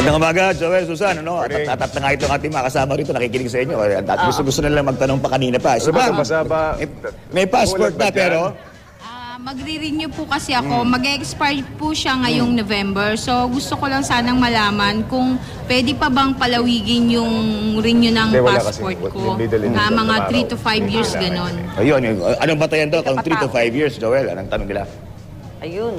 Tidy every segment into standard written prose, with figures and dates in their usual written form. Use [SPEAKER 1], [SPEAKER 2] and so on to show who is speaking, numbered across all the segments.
[SPEAKER 1] Magandang umaga, Joel, Susan, ano? At na nga itong ating mga kasama rito, nakikinig sa inyo. At gusto na lang magtanong pa kanina pa. Si Ma'am, may passport na pero...
[SPEAKER 2] Magre-renew po kasi ako. Mag-expire po siya ngayong November. So, gusto ko lang sanang malaman kung pwede pa bang palawigin yung renew ng passport ko. Mga 3 to 5 years, ganon.
[SPEAKER 1] Ayun, anong batayan daw kung 3 to 5 years, Joel? Anong tanong nila?
[SPEAKER 3] Ayun.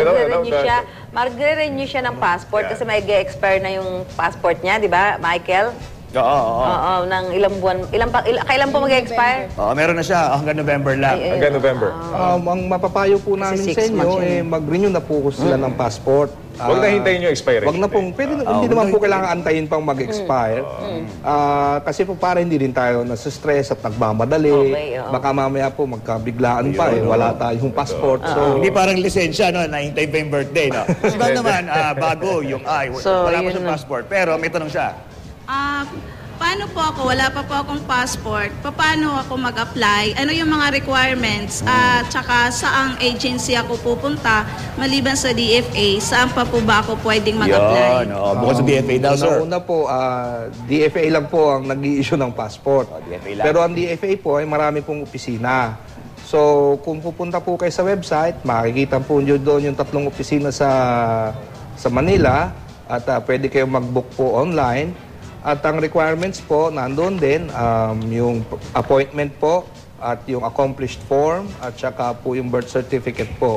[SPEAKER 3] Magre-renew siya ng passport kasi may expire na yung passport niya, di ba, Michael? Oo, ng ilang buwan. Kailan po mag-expire?
[SPEAKER 1] Meron na siya hanggang November lang.
[SPEAKER 4] Hanggang November.
[SPEAKER 5] Ang mapapayo po namin sa inyo, mag-renew na po sila ng passport.
[SPEAKER 4] Huwag na hintayin yung expiration.
[SPEAKER 5] Huwag na pong, hindi naman po kailangan antayin pang mag-expire. Kasi po para hindi rin tayo nasa-stress at nagmamadali. Baka mamaya po magkabiglaan pa wala tayong passport.
[SPEAKER 1] Hindi parang lisensya, no? Nahintay pa yung birthday, no? Diba naman, bago yung wala pa siyang passport. Pero may tanong siya.
[SPEAKER 6] Paano po ako? Wala pa po akong passport. Paano ako mag-apply? Ano yung mga requirements? Tsaka saang agency ako pupunta? Maliban sa DFA, saan pa po ba ako pwedeng mag-apply?
[SPEAKER 1] Bukod sa DFA daw, sir.
[SPEAKER 5] Una po, DFA lang po ang nag-i-issue ng passport. Pero ang DFA po ay marami pong opisina. So, kung pupunta po kayo sa website, makikita po nyo doon yung 3 opisina sa Manila at pwede kayong mag-book po online. At ang requirements po, nandun din, yung appointment po, at yung accomplished form, at saka po yung birth certificate po.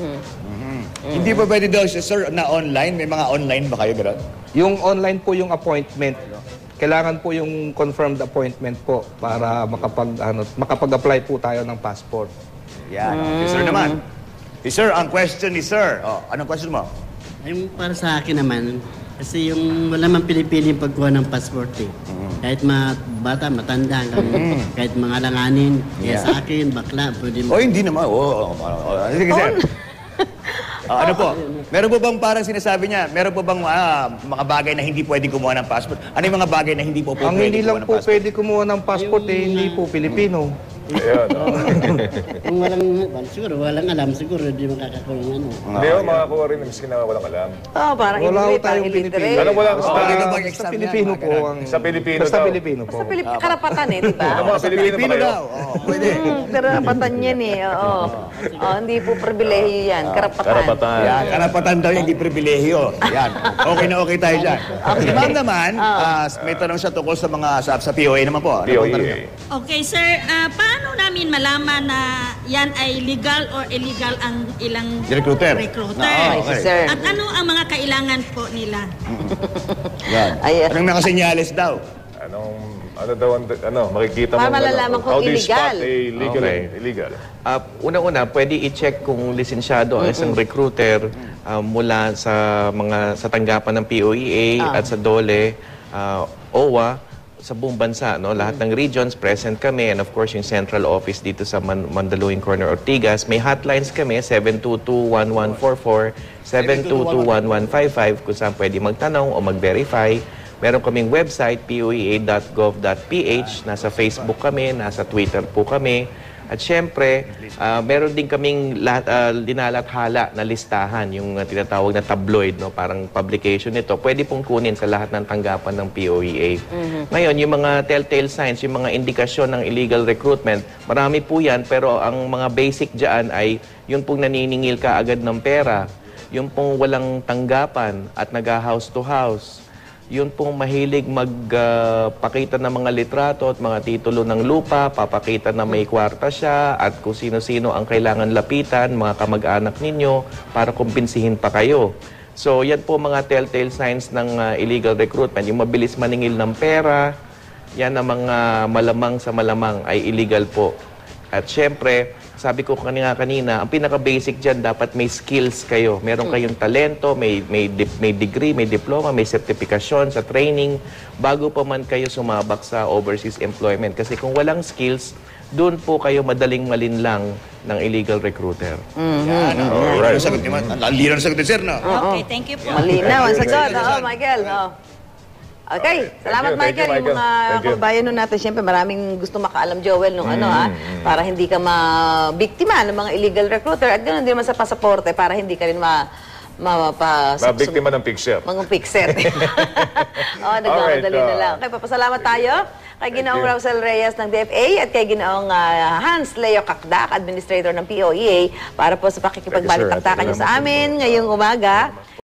[SPEAKER 1] Hindi pa pwede daw siya, sir, na online? May mga online ba kayo, gano'n?
[SPEAKER 5] Yung online po yung appointment. Kailangan po yung confirmed appointment po para makapag-apply po tayo ng passport.
[SPEAKER 1] Yan. Si sir naman. Si sir, ang question ni sir. Anong question mo?
[SPEAKER 7] Yung para sa akin naman, kasi yung wala man pinipili yung pagkuha ng passport eh. Kahit bata, matanda, kahit mga langanin. Kaya sa akin, bakla, pwede mo.
[SPEAKER 1] Hindi naman. Sige, sir. Ano po? Meron po bang parang sinasabi niya, meron po bang mga bagay na hindi pwede kumuha ng passport? Ano yung mga bagay na hindi po pwede kumuha ng passport?
[SPEAKER 5] Ang hindi lang po pwede kumuha ng passport hindi po Pilipino.
[SPEAKER 7] Kung siguro walang alam, siguro hindi makakakuha ng ano.
[SPEAKER 4] Hindi mo makakuha rin miski na walang alam.
[SPEAKER 3] Parang
[SPEAKER 5] wala ko tayong Pilipino.
[SPEAKER 1] Basta
[SPEAKER 5] Pilipino po.
[SPEAKER 4] Sa Pilipino
[SPEAKER 5] Basta Pilipino po.
[SPEAKER 3] Basta karapatan di ba?
[SPEAKER 4] Mga Pilipino daw.
[SPEAKER 1] Pwede.
[SPEAKER 3] Karapatan yan hindi po pribilehiyo yan. Karapatan.
[SPEAKER 1] Yan, karapatan daw yung hindi pribilehiyo. Yan. Okay na okay tayo dyan. Si ma'am naman, may tanong siya tungkol sa mga sa POA naman po.
[SPEAKER 4] POA.
[SPEAKER 6] Okay, sir. Paano namin malaman na yan ay legal or illegal ang ilang
[SPEAKER 1] recruiter?
[SPEAKER 3] Sir.
[SPEAKER 6] At ano ang mga kailangan po nila?
[SPEAKER 1] Yan. Anong nakasenyales daw?
[SPEAKER 4] Makikita mo.
[SPEAKER 3] Para malalaman kung illegal.
[SPEAKER 4] Illegal.
[SPEAKER 8] Unang-una, pwede i-check kung lisensyado ang isang recruiter mula sa tanggapan ng POEA at sa DOLE, OWA, sa buong bansa, no? Lahat ng regions present kami, and of course yung central office dito sa Mandaluyong Corner, Ortigas. May hotlines kami, 722-1144, 722-1155 kung saan pwede magtanong o mag-verify. Meron kaming website, poea.gov.ph, nasa Facebook kami, nasa Twitter po kami. At syempre, meron din kaming dinalathala na listahan, yung tinatawag na tabloid, no? Parang publication nito. Pwede pong kunin sa lahat ng tanggapan ng POEA. Ngayon, yung mga telltale signs, yung mga indikasyon ng illegal recruitment, marami po yan, pero ang mga basic dyan ay yung pong naniningil ka agad ng pera, yung pong walang tanggapan at nag-house to house, yun pong mahilig magpakita ng mga litrato at mga titulo ng lupa, papakita na may kwarta siya at kung sino-sino ang kailangan lapitan, mga kamag-anak ninyo, para kumbinsihin pa kayo. So, yan po mga telltale signs ng illegal recruitment. Yung mabilis maningil ng pera, yan ang mga malamang sa malamang ay illegal po. At syempre, sabi ko kanina, ang pinaka-basic dyan, dapat may skills kayo. Meron kayong talento, may degree, may diploma, may sertifikasyon sa training, bago pa man kayo sumabak sa overseas employment. Kasi kung walang skills, doon po kayo madaling malinlang ng illegal recruiter.
[SPEAKER 1] Yan. Alright. Ang lino na sagot ni sir, no?
[SPEAKER 6] Okay, thank you po.
[SPEAKER 3] Malinaw ang sagot. Michael. Okay, salamat Michael. Yung mga kabayan natin, siyempre maraming gusto makaalam, Joel, nung para hindi ka mabiktima ng mga illegal recruiter at ganoon din naman sa pasaporte para hindi ka rin
[SPEAKER 4] Mabiktima ng picture.
[SPEAKER 3] Mga fixer. Nagmamadali na lang. Okay, papasalamat tayo kay Ginoong Rausel Reyes ng DFA at kay Ginoong Hans Leo Kakdak, Administrator ng POEA, para po sa pakikipagbalik-taktakan niyo sa amin ngayong umaga.